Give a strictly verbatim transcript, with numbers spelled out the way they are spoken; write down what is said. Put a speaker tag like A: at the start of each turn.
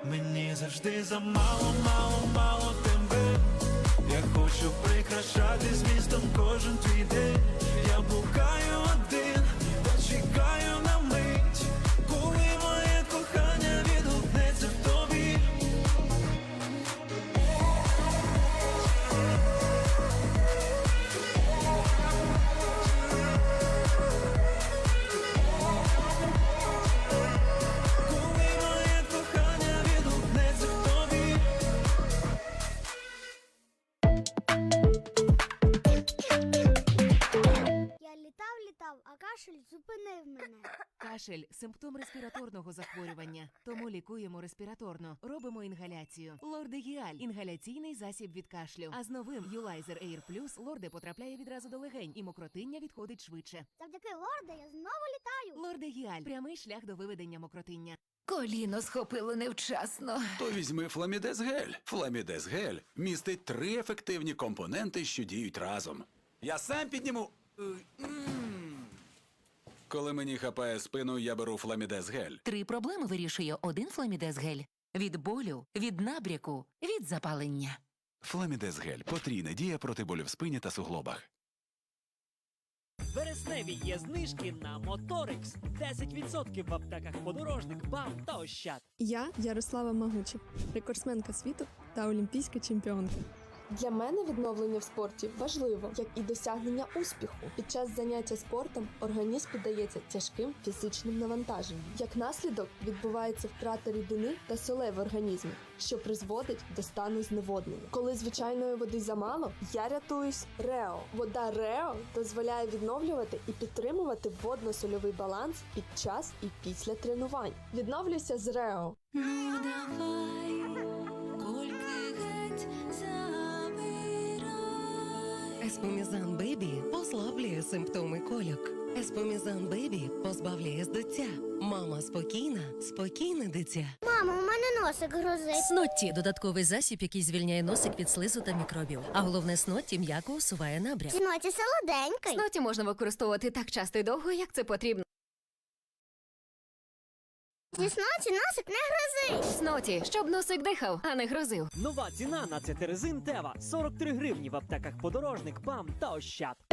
A: Мені завжди замало, мало, мало тебе. Я хочу прикрашати змістом кожен твій день. Я блукаю один, та чекаю на мить, коли моє кохання відгукнеться в тобі. Коли моє кохання відгукнеться в тобі.
B: Я літав, літав, а кашель зупинив мене.
C: Кашель – симптом респіраторного захворювання, тому лікуємо респіраторно. Робимо інгаляцію. Лордегіаль – інгаляційний засіб від кашлю. А з новим Юлайзер Air Plus Лорде потрапляє відразу до легень і мокротиння відходить швидше.
B: Завдяки лорде я знову літаю.
C: Лордегіаль – прямий шлях до виведення мокротиння.
D: Коліно схопило невчасно.
E: То візьми Фламідез Гель. Фламідез Гель містить три ефективні компоненти, що діють разом. Я сам підніму. Е, м. Коли мені хапає спину, я беру Фламідез Гель.
D: Три проблеми вирішує один Фламідез Гель. Від болю, від набряку, від запалення.
E: Фламідез Гель – потрійна дія проти болю в спині та суглобах.
F: Вересневі є знижки на Моторикс. десять відсотків в аптеках Подорожник, БАМ та Ощад.
G: Я Ярослава Магучик, рекордсменка світу та олімпійська чемпіонка. Для мене відновлення в спорті важливо, як і досягнення успіху. Під час заняття спортом організм піддається тяжким фізичним навантаженням. Як наслідок відбувається втрата рідини та солей в організмі, що призводить до стану зневоднення. Коли звичайної води замало, я рятуюсь Рео. Вода Рео дозволяє відновлювати і підтримувати водно-сольовий баланс під час і після тренувань. Відновлюйся з Рео.
D: Ну давай, кольки геть забирай.
H: Еспомізан Бебі послаблює симптоми кольок. Еспомізан Бебі позбавляє з дитя. Мама спокійна, спокійне дитя.
B: Мамо, у мене носик грозить.
I: Снотті – додатковий засіб, який звільняє носик від слизу та мікробів. А головне, Снотті м'яко усуває набряк.
B: Сноті солоденький.
D: Сноті можна використовувати так часто і довго, як це потрібно.
B: Зі сноті носик не грозить.
D: Сноті, щоб носик дихав, а не грозив.
F: Нова ціна на цетерезин Тева – сорок три гривні в аптеках Подорожник, БАМ та Ощад.